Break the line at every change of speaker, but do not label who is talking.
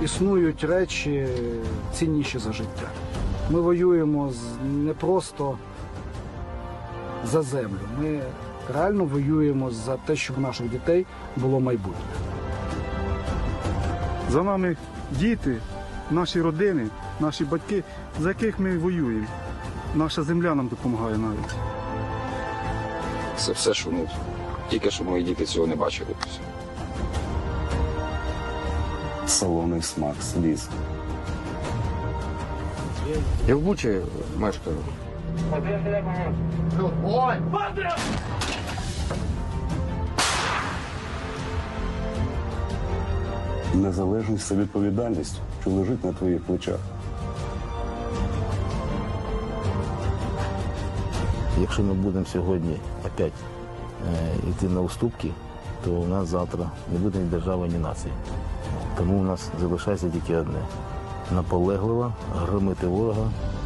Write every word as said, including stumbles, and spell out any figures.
існують речі цінніші за життя. Ми воюємо не просто за землю, ми реально воюємо за те, щоб у наших дітей було майбутнє.
За нами діти, наші родини, наші батьки, за яких ми воюємо. Наша земля нам допомагає навіть.
Це все, що ну, тільки що мої діти цього не бачили.
Солоний смак сліз.
Я в Бучі мешкаю.
Незалежність та відповідальність, що лежить на твоїх плечах.
Якщо ми будемо сьогодні опять е, йти на уступки, то у нас завтра не буде ні держави, ні нації. Тому у нас залишається тільки одне – наполегливо громити ворога